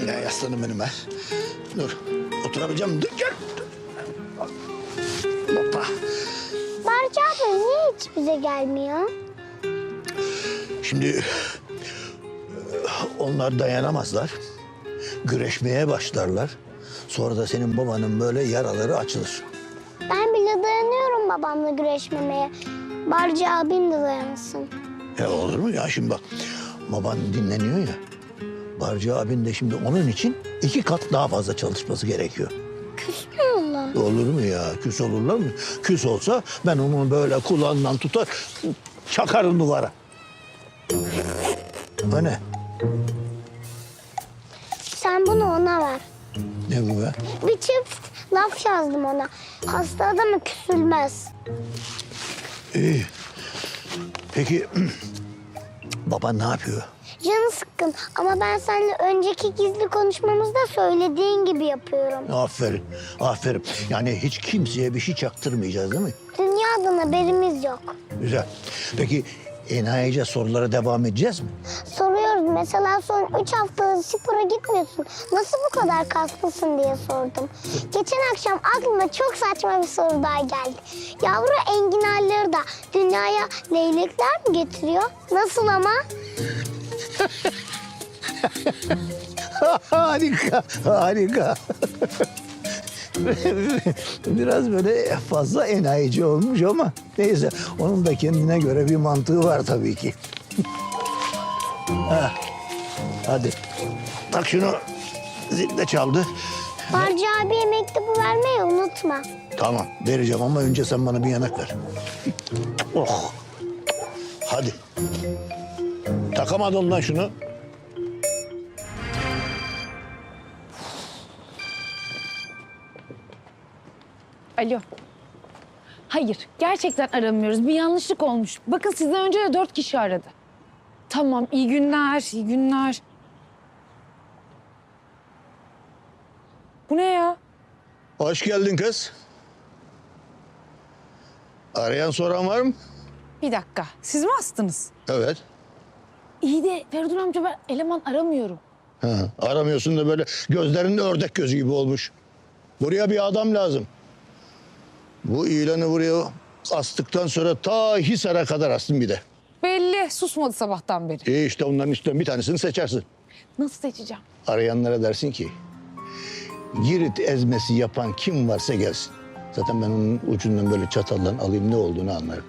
Ya aslanım benim ben. Dur. Oturabileceğim. Dur gel. Hoppa. Barca abi niye hiç bize gelmiyor? Şimdi onlar dayanamazlar. Güreşmeye başlarlar. Sonra da senin babanın böyle yaraları açılır. Ben bile dayanıyorum babamla güreşmemeye. Barca abim de dayansın. Ya olur mu ya şimdi bak. Baban dinleniyor ya. Barcı abin de şimdi onun için 2 kat daha fazla çalışması gerekiyor. Küsmüyorlar. Olur mu ya? Küs olurlar mı? Küs olsa ben onu böyle kulağından tutar, çakarım duvara. O ne? Sen bunu ona ver. Ne bu be? Bir çift laf yazdım ona. Hasta adamı küsülmez. İyi. Peki baban ne yapıyor? Canı sıkkın ama ben seninle önceki gizli konuşmamızda söylediğin gibi yapıyorum. Aferin, aferin. Yani hiç kimseye bir şey çaktırmayacağız değil mi? Dünyadan haberimiz yok. Güzel. Peki enayice sorulara devam edeceğiz mi? Soruyoruz mesela son 3 haftadır spora gitmiyorsun. Nasıl bu kadar kaslısın diye sordum. Geçen akşam aklıma çok saçma bir soru daha geldi. Yavru enginarları da dünyaya leylekler mi getiriyor? Nasıl ama? Harika, harika. Biraz böyle fazla enayici olmuş ama neyse onun da kendine göre bir mantığı var tabii ki. Ha, hadi tak şunu, zil de çaldı. Barca abiye mektubu vermeyi unutma. Tamam vereceğim ama önce sen bana bir yanak ver. Oh. Hadi. Takamadın lan şunu. Alo. Hayır, gerçekten aramıyoruz. Bir yanlışlık olmuş. Bakın sizden önce de 4 kişi aradı. Tamam, iyi günler, iyi günler. Bu ne ya? Hoş geldin kız. Arayan soran var mı? Bir dakika, siz mi astınız? Evet. İyi de Feridun amca ben eleman aramıyorum. Ha, aramıyorsun da böyle gözlerin ördek gözü gibi olmuş. Buraya bir adam lazım. Bu ilanı buraya astıktan sonra ta Hisar'a kadar astım bir de. Belli, susmadı sabahtan beri. İyi işte onların içinden bir tanesini seçersin. Nasıl seçeceğim? Arayanlara dersin ki Girit ezmesi yapan kim varsa gelsin. Zaten ben onun ucundan böyle çataldan alayım ne olduğunu anlarım.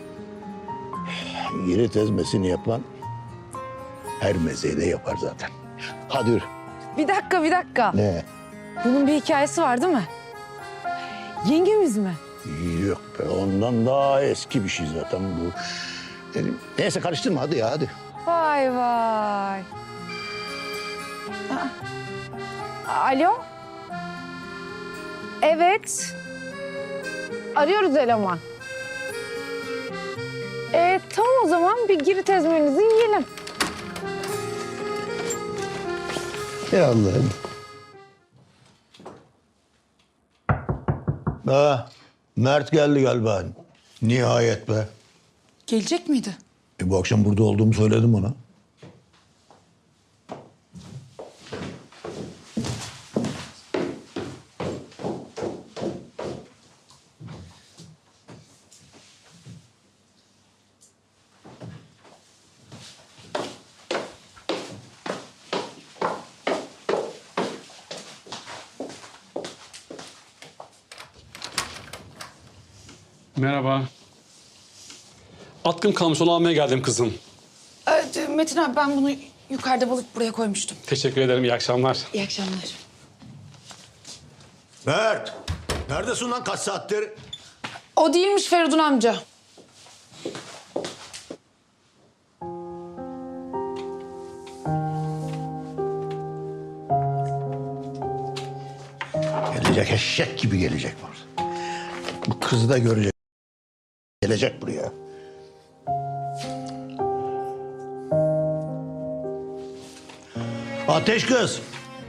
Girit ezmesini yapan her mezeyi de yapar zaten. Hadi yürü. Bir dakika, bir dakika. Ne? Bunun bir hikayesi var değil mi? Yengemiz mi? Yok be ondan daha eski bir şey zaten bu. Neyse karıştırma hadi ya hadi. Vay vay. Aa. Alo? Evet. Arıyoruz eleman. Tamam o zaman bir Girit ezmenizi yiyelim. Ya Allah'ım. Mert geldi galiba. Nihayet be. Gelecek miydi? Bu akşam burada olduğumu söyledim ona. Merhaba. Atkım kalmış onu almaya geldim kızım. Metin abi ben bunu yukarıda bulup buraya koymuştum. Teşekkür ederim, iyi akşamlar. İyi akşamlar. Mert! Neredesin lan kaç saattir? O değilmiş Feridun amca. Gelecek eşek gibi gelecek var. Bu kızı da görecek. Gelecek buraya. Ateş kız.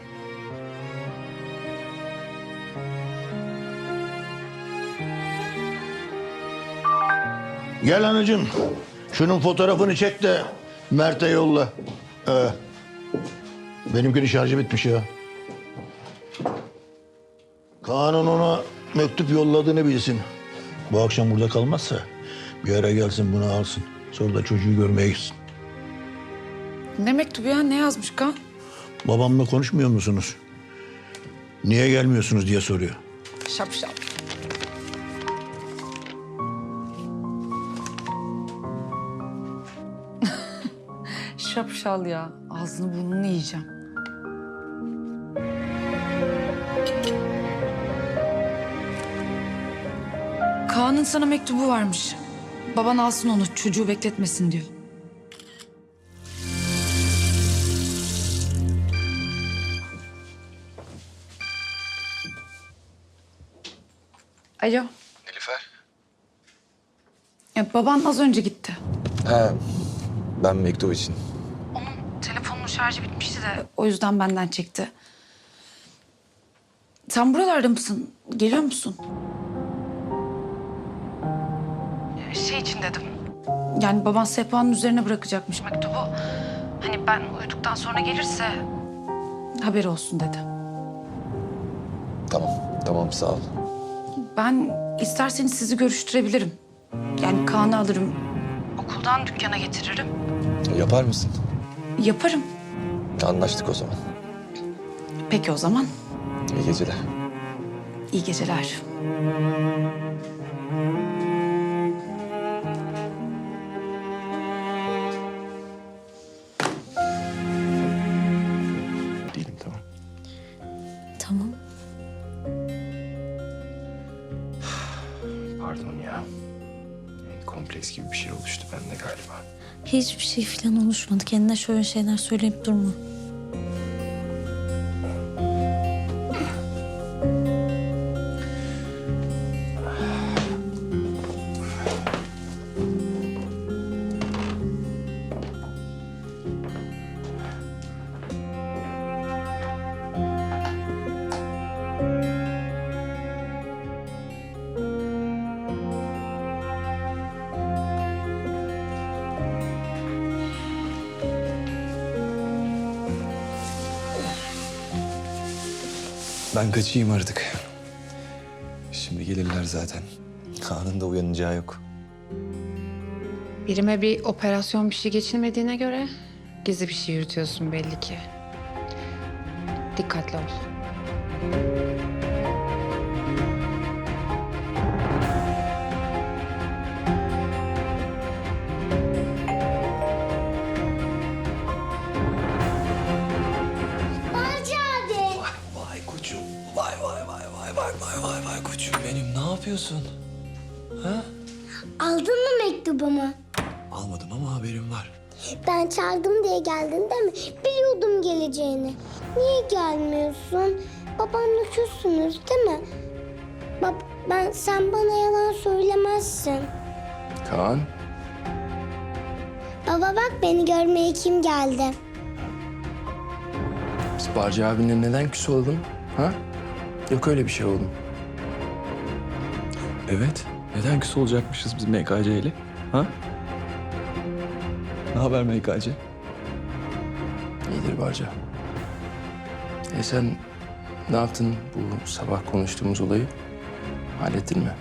Gel anacığım. Şunun fotoğrafını çek de Mert'e yolla. Benimkinin şarjı bitmiş ya. Kaan'ın ona mektup yolladığını bilsin. Bu akşam burada kalmazsa bir ara gelsin bunu alsın. Sonra da çocuğu görmeye gitsin. Ne mektubu ya? Ne yazmış Kaan? Babamla konuşmuyor musunuz? Niye gelmiyorsunuz diye soruyor. Şapşal. Şapşal ya. Ağzını burnunu yiyeceğim. Kaan'ın sana mektubu varmış. Baban alsın onu, çocuğu bekletmesin diyor. Alo. Nilüfer? Ya baban az önce gitti. He, ben mektup için. Telefonun şarjı bitmişti de o yüzden benden çekti. Sen buralarda mısın? Geliyor musun? Şey için dedim. Yani baban sehpanın üzerine bırakacakmış mektubu. Hani ben uyuduktan sonra gelirse haberi olsun dedi. Tamam sağ ol. Ben isterseniz sizi görüştürebilirim. Yani Kaan'ı alırım. Okuldan dükkana getiririm. Yapar mısın? Yaparım. Anlaştık o zaman. Peki o zaman. İyi geceler. İyi geceler. Değilim tamam. Tamam. Pardon ya. Kompleks gibi bir şey oluştu bende galiba. Hiçbir şey falan oluşmadı. Kendine şöyle şeyler söyleyip durma. Ben kaçayım artık. Şimdi gelirler zaten. Kaan'ın da uyanacağı yok. Birime bir operasyon bir şey geçilmediğine göre gizli bir şey yürütüyorsun belli ki. Dikkatli ol. Barcı abi. Vay koçum. Vay koçum benim. Ne yapıyorsun? Aldın mı mektubumu? Almadım ama haberim var. Ben çaldım diye geldin değil mi? Biliyordum geleceğini. Niye gelmiyorsun? Babamla küssünüz değil mi? Sen bana yalan söylemezsin. Kaan? Baba bak beni görmeye kim geldi? Biz Barcı abinle neden küs oldun? Ha? Yok öyle bir şey oğlum. Evet. Neden küs olacakmışız biz MKC ile? Ha? Ne haber MKC? İyidir Barca. Sen ne yaptın bu sabah konuştuğumuz olayı? Hallettin mi?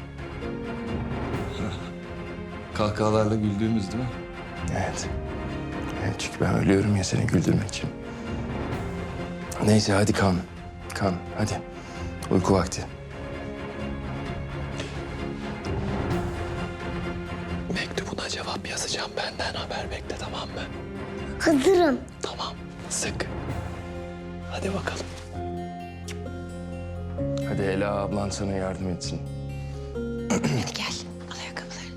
Kahkahalarla güldüğümüz değil mi? Evet. Evet çünkü ben ölüyorum ya seni güldürmek için. Neyse hadi Kaan. Kaan hadi. Uyku vakti. Mektubuna cevap yazacağım. Benden haber bekle tamam mı? Hazırım. Tamam. Sık. Hadi bakalım. Hadi Ela ablan sana yardım etsin. Hadi gel. Al ayakkabıları.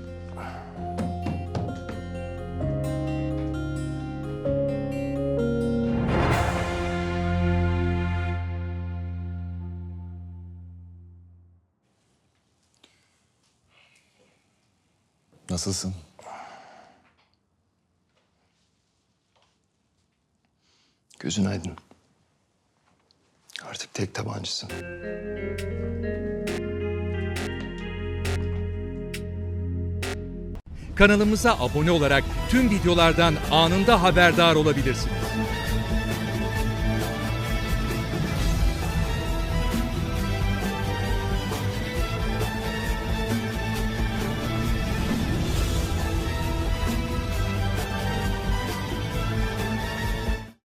Nasılsın? Gözün aydın. Artık tek tabancısın. Kanalımıza abone olarak tüm videolardan anında haberdar olabilirsiniz.